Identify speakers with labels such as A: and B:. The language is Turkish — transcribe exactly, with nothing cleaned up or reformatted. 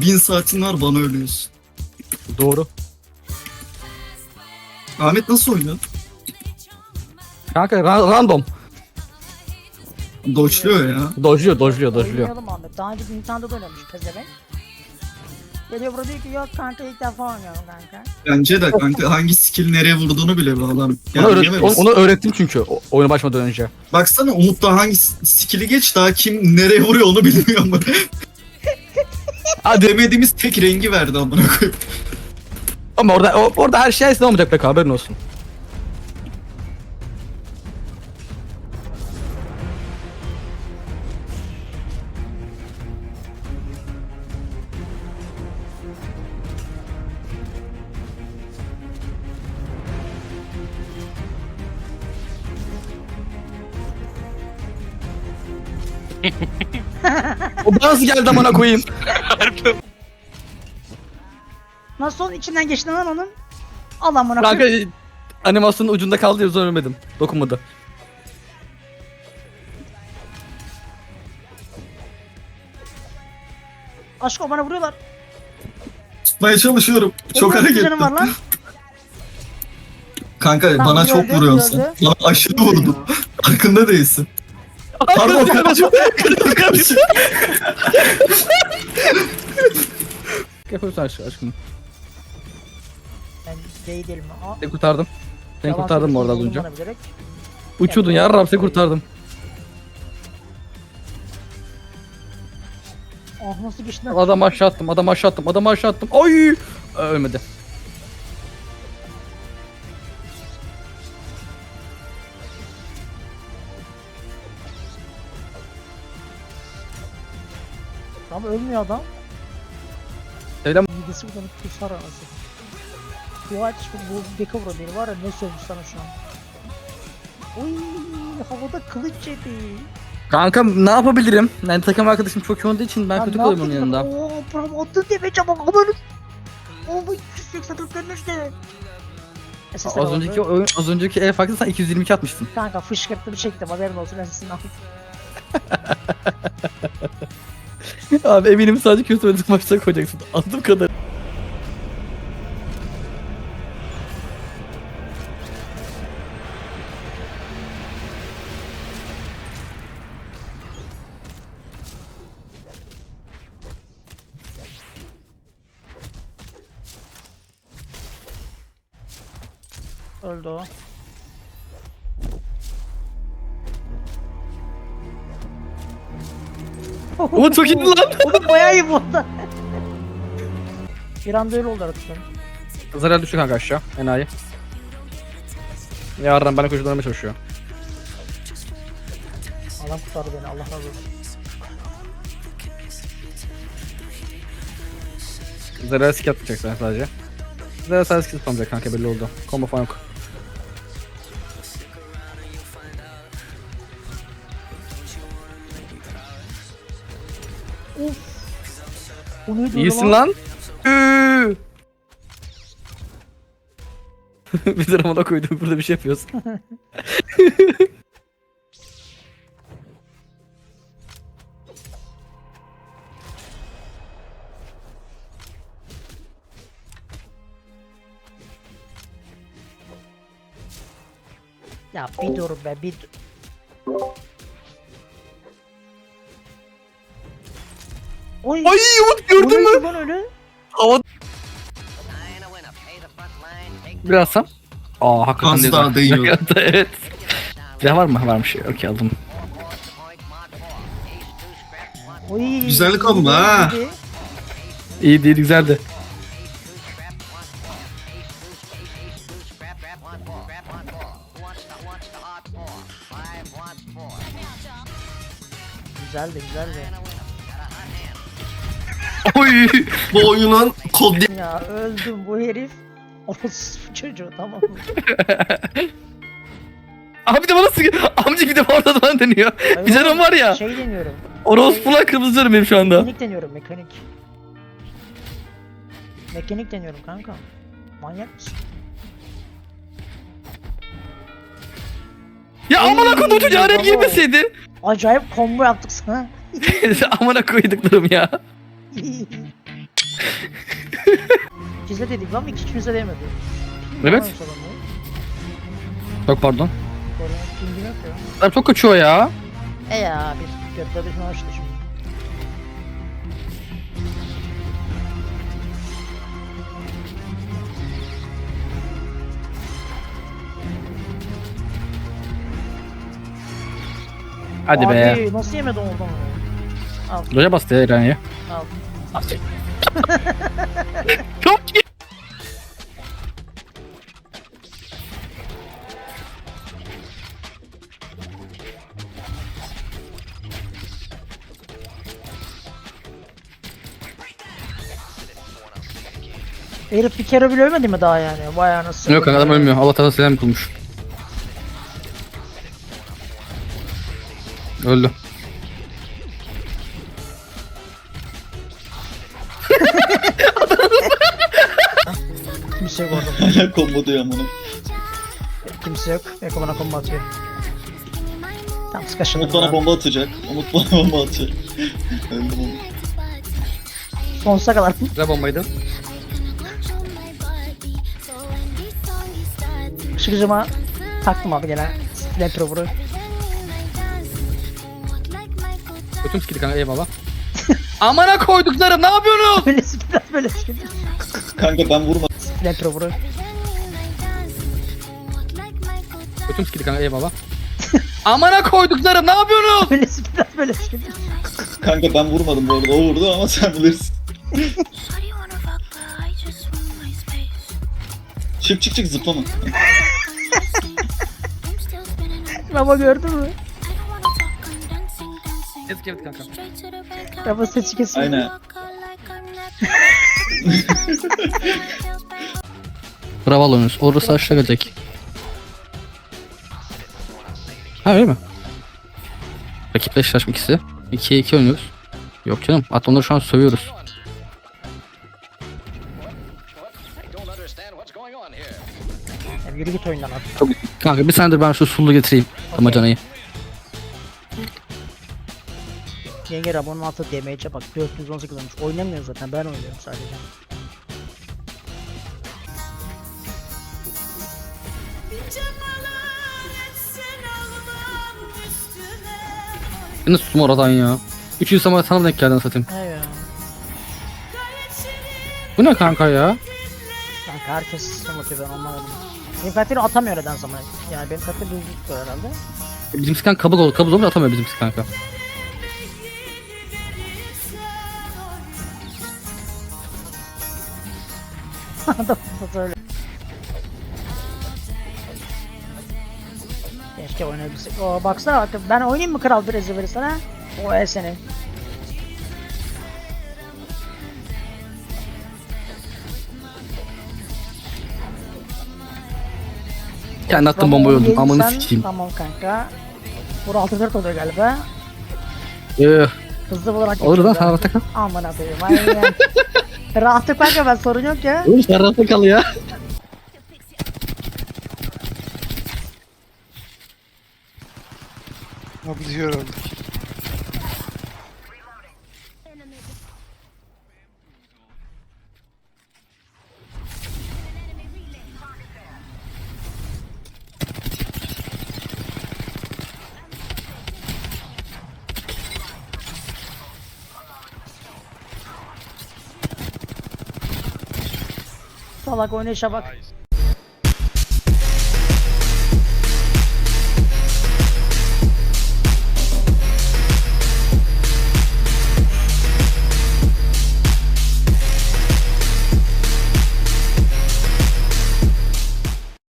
A: bin saatin var, bana ölüyorsun.
B: Doğru.
A: Ahmet nasıl oynuyor?
B: Kanka ra- random.
A: Doçluyor ya.
B: Dojluyor, dojluyor, dojluyor.
C: Oynayalım Ahmet. Daha önce Nintendo'da da oynamış pezevenk. Geliyor burada diyor ki yok kanka ilk defa oynuyorum kanka.
A: Bence de kanka hangi skill nereye vurduğunu bile bu adam.
B: Onu,
A: Yani
B: öğret-
A: bilemeyiz.
B: onu öğrettim çünkü o- oyuna başlamadan önce.
A: Baksana Umut da hangi s- skill'i geç, daha kim nereye vuruyor onu bilmiyor ama. Ha demediğimiz tek rengi verdi amına koyayım.
B: Ama orada o- orada her şey ne olmayacak be, haberin olsun. O nasıl geldi amına koyayım?
C: Nasıl içinden geçti lan onun? Al amına
B: Kanka
C: koyayım.
B: animasyonun ucunda kaldı ya, sonra ölmedim. Dokunmadı.
C: Aşko bana vuruyorlar.
A: Tutmaya çalışıyorum. Çok
C: Oğlum, nasıl
A: hareketli.
C: canım var lan?
A: Kanka
C: Tamam,
A: bana çok
C: gördüm,
A: vuruyorsun sen.
C: gördüm.
A: Bana aşırı vurdun. Farkında değilsin. Pardon kardeşim. Kardeşim.
B: Yapıyorsun aşkım. aşkım.
C: Ben gay değilim. Aa,
B: Seni kurtardım. Seni
C: yalan
B: kurtardım bu arada az
C: söylüyorsun,
B: önce.
C: bana bilerek.
B: Uçuyordun ya Rab, seni kurtardım.
C: Ah nasıl geçti lan?
B: Adam aşağı attım, adam aşağı attım, adam aşağı attım. Oy! Ölmedi.
C: Ama ölmüyor adam.
B: Selam.
C: Midesi buradan kusar arası. Dua et şu bu Beka vura beni var ya, ne sövmüş sana şu an. Oy havada kılıç yedi.
B: Kanka ne yapabilirim? Yani takım arkadaşım çok iyi olduğu için ben
C: Lan
B: kötü
C: ne
B: kalıyorum onun
C: yaptın
B: yanında.
C: lan? Oo bram attın diye çabuk amanın. Oo bu iki yüz seksen dört dönmüş de. S S R
B: Az
C: oldu.
B: önceki oyun, az önceki el farklı sen iki yüz yirmi iki atmıştın.
C: Kanka fışkırttım çektim haberin olsun S S'ini al.
B: Abi eminim sadece kötü oynadık maçta koyacaksın. Anladığım kadar.
C: Öldü o.
B: Oğlum çok iyi lan.
C: Oğlum bayağı iyi bu arada. Bir anda öyle oldu artık.
B: Zarar düştü kanka aşağı. Enayi. Yarın bana koşularıma çalışıyor.
C: Allah kurtardı beni, Allah razı olsun.
B: Zarar skill atmayacak sen sadece. Zarar sadece skill atmayacak kanka, belli oldu. Combo falan yok.
C: Of. Bu neydi
B: İyisin lan. Üü. Bir de ramana koydum, burada bir şey yapıyorsun.
C: Ya bir dur be bir dur. Oy.
B: Ay Umut gördün mü?
C: Lan öyle?
B: Hava. Biraz sam. Aa hakikaten
A: Az
B: değil.
A: daha değiyor.
B: Evet. Silah var mı? Varmış. Okey aldım.
C: Oy.
A: Güzel kombo ha.
C: İyiydi.
B: İyi değil, güzeldi.
C: Güzeldi güzeldi.
A: Oy. Bu oyunun kod
C: Ya öldüm bu herif. Orospu çocuğu tamam mı?
B: Abi de bana sıkıyor. Amca bir de orada bana deniyor. Bir canım var ya.
C: Şey deniyorum.
B: Orospular kırmızı canım benim şu anda.
C: Mekanik deniyorum mekanik. Mekanik deniyorum kanka. Manyak mısın?
B: Ya amına koydum çocuğa araya
C: bravo.
B: girmeseydi.
C: Acayip combo yaptık sana.
B: Amına koyduklarım ya.
C: İkizde dedik lan iki kimse demedi.
B: Evet.
C: Yanlış adam ya.
B: Çok pardon.
C: Korona pingim yok ya.
B: Adam çok kaçıyor ya.
C: E ya bir götleri şunu açtı şimdi.
B: Hadi be.
C: Abi nasıl yemedi oradan onu? Al
B: Loja bastı ya İran'ya.
C: al.
B: Çok iyi.
C: Herif bir kere bile ölmedi mi daha yani? Vay anasını.
B: Yok kanka adam ölmüyor. Allah tarafı selam kılmış. Öldü.
C: Kimse yok orada.
A: Hala combo diyor amına.
C: Kimse yok. Eko bana kombo atıyor. Tam sıkaşın.
A: Umut bana bomba atacak. Umut bana bomba atacak. Öldüm onu.
C: Sonsuza kadar.
B: Güzel bombaydı.
C: Işıkıcıma taktım abi gene. Lepro vuru.
B: Götüm sikildi kanka eyvallah. Amına koyduklarım ne yapıyorsunuz?
C: Böyle biraz böyle sıkıntı.
A: Kanka ben vurmadım.
C: Lepro vuru.
B: Götüm sikildi kanka eyvallah. Amına koyduklarım ne yapıyorsunuz?
C: Böyle biraz böyle sıkıntı.
A: Kanka ben vurmadım bu arada. O vurdu ama sen bilirsin. Çık çık çık zıplama.
C: Baba gördün mü?
B: Yazık evet kanka.
C: Baba saçı kesiyor.
A: Aynen.
B: Bravo alıyorsunuz. Orası aşağı gelecek. Ha öyle mi? Rakiple eşleşme ikisi. ikiye iki oynuyoruz. Yok canım. Hatta onları şu an sövüyoruz.
C: Ya yürü git oyundan artık.
B: Çok... Kanka bir senedir ben şu sulu getireyim. Damacanayı.
C: Yenge Rabon'un altı damage'e bak dört yüz on sekiz olmuş. Oynamıyor zaten ben oynuyorum sadece.
B: Yine sustum oradan ya. Üçüncü samara sana denk geldin satayım.
C: He ya.
B: Bu ne kanka ya?
C: Kanka herkes anlatıyor ben anlamadım. Benim karakteri atamıyor neden zaman. Yani benim karakteri düzgün tutuyor herhalde.
B: Bizimki kanka kabuk olur. Kabuk olur atamıyor bizimki kanka.
C: Adam da öyle. Keşke oynayabilsek. Oo baksana bak ben oynayayım mı kral bir ezberi sana? O el seni.
B: Kendi attığım bombayı öldüm. Amanı
C: Yediysen,
B: sikeyim.
C: tamam kanka. Vur altı dört oluyor galiba.
B: Ee,
C: Hızlı olarak
B: olur lan
C: geçiyoruz
B: sana
C: ha.
B: rahatta kal.
C: Aman abiyim aynen. Rahatlık kanka ben sorun yok ya.
B: Oğlum sen rahatta kal ya.
D: Abi diyorum.
C: Salak oynayışa bak.